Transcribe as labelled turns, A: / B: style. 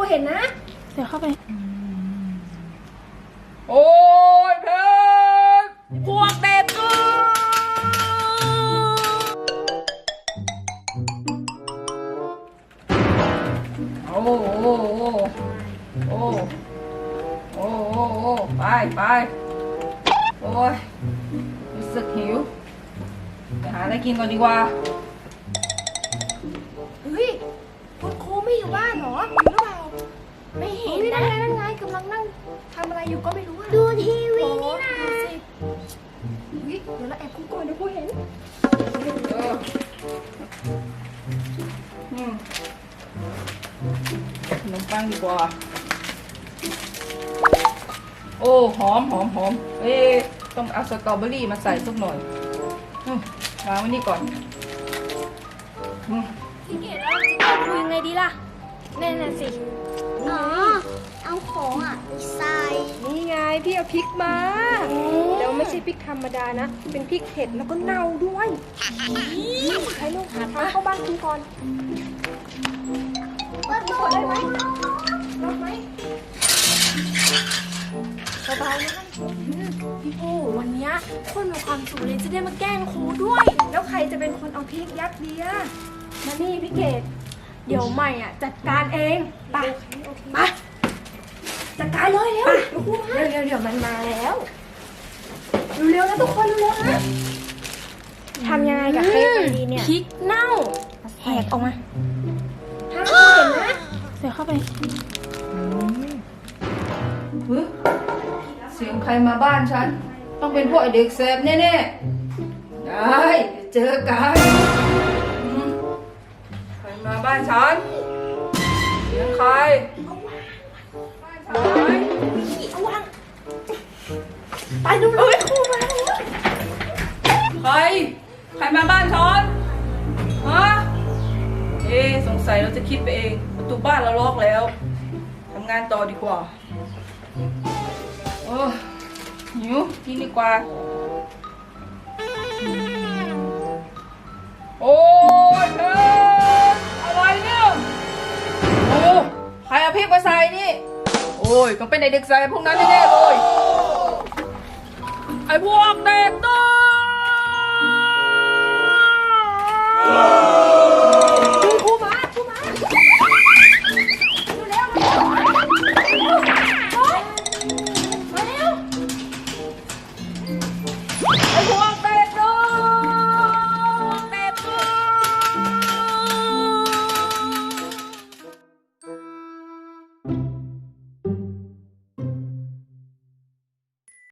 A: เห็นนะ
B: เดี๋ยวเข้าไป
C: โอ้ยเพชรพวกเด็กโอ้โหโอ้โอ้โอ้ไปโอ้ยรู้สึกหิวไปหาอะไรกินก่อนดีกว่า
A: เฮ้ยคุณครูไม่อยู่บ้านเหรอหรือเปล่าไม่เห็นนะนั่งไงกำลังนั่งทำอะไรอยู่ก็ไม่รู้อะดูทีวีนี่นะเฮ้ยเดี๋ยวเราแอบคุกก่อนเดี๋ยวครูเห็น
C: ขนมปังดีกว่าโอ้หอมต้องเอาสตรอเบอรี่มาใส่สักหน่อยวางไว้นี่ก่อน
A: พี่เกดเราจะคุยยังไงดีล่ะแน่สิ
D: อ๋อเอาของอ่ะไปใส่
A: นี่ไงพี่เอาพริกมาแล้วไม่ใช่พริกธรรมดานะเป็นพริกเผ็ดแล้วก็เน่าด้วยใครลูกหาทางเข้าบ้านคุณก่อน
D: เปิดตัว
A: ได้ไหมรอดไหมสบายนะพี่ปูวันนี้คนมีความสุขเลยจะได้มาแกล้งครูด้วย แล้วใครจะเป็นคนเอาพริกยัดเดียมานี่พี่เกดเดี๋ยวใหม่อ่ะจัดการเองไปจัดการเลยเร็วเดี๋ยวมันมาแล้วเร็วๆนะทุกคนเร็วๆนะทำยังไงกับเค้กดีเนี่ยพริกเน่าแหกออกมาห้ามเห็นนะ
B: เดี๋ยวเข้าไป
C: เสียงใครมาบ้านฉันต้องเป็นพวกไอเด็กแสบแน่ๆได้เจอกันใครมาบ้านฉันเสียงใคร
A: เอาวางไปดูเลยครูมาแล้ว
C: ใครมาบ้านฉันฮะสงสัยเราจะคิดไปเองประตูบ้านเราล็อกแล้วทำงานต่อดีกว่าหิวกินดีกว่าโอ้ยเธออะไรเนี่ยโอ้ใครเอาพริกมาใส่นี่โอ้ยต้องเป็นไอเด็กใส่พวกนั้นแน่ๆเลยไอพวกเด็กตัว
A: ครูมาเร็ว
C: ไอพวกเด็กตัว